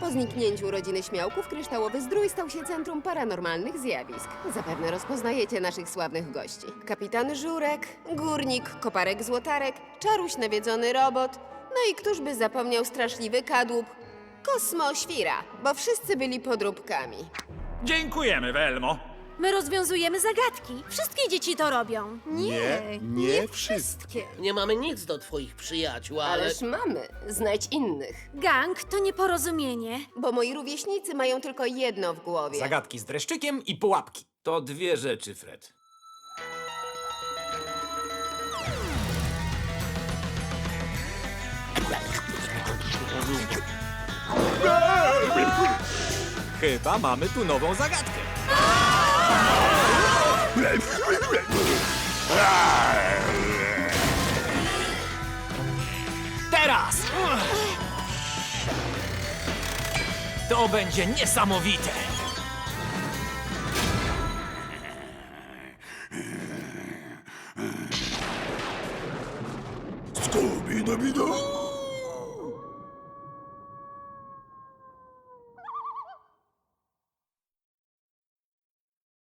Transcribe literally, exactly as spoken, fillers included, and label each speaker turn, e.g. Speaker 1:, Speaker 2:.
Speaker 1: Po zniknięciu rodziny Śmiałków kryształowy zdrój stał się centrum paranormalnych zjawisk. Zapewne rozpoznajecie naszych sławnych gości. Kapitan Żurek, górnik, koparek Złotarek, czaruś nawiedzony robot, no i któż by zapomniał straszliwy kadłub? Kosmo Świra, bo wszyscy byli podróbkami.
Speaker 2: Dziękujemy, Welmo.
Speaker 3: My rozwiązujemy zagadki. Wszystkie dzieci to robią.
Speaker 4: Nie, nie wszystkie.
Speaker 5: Nie mamy nic do twoich przyjaciół, ale...
Speaker 1: Ależ mamy, znajdź innych.
Speaker 3: Gang to nieporozumienie.
Speaker 1: Bo moi rówieśnicy mają tylko jedno w głowie.
Speaker 2: Zagadki z dreszczykiem i pułapki.
Speaker 6: To dwie rzeczy, Fred.
Speaker 2: Chyba mamy tu nową zagadkę. Teraz! To będzie niesamowite!
Speaker 4: Scooby-Dooby-Doo!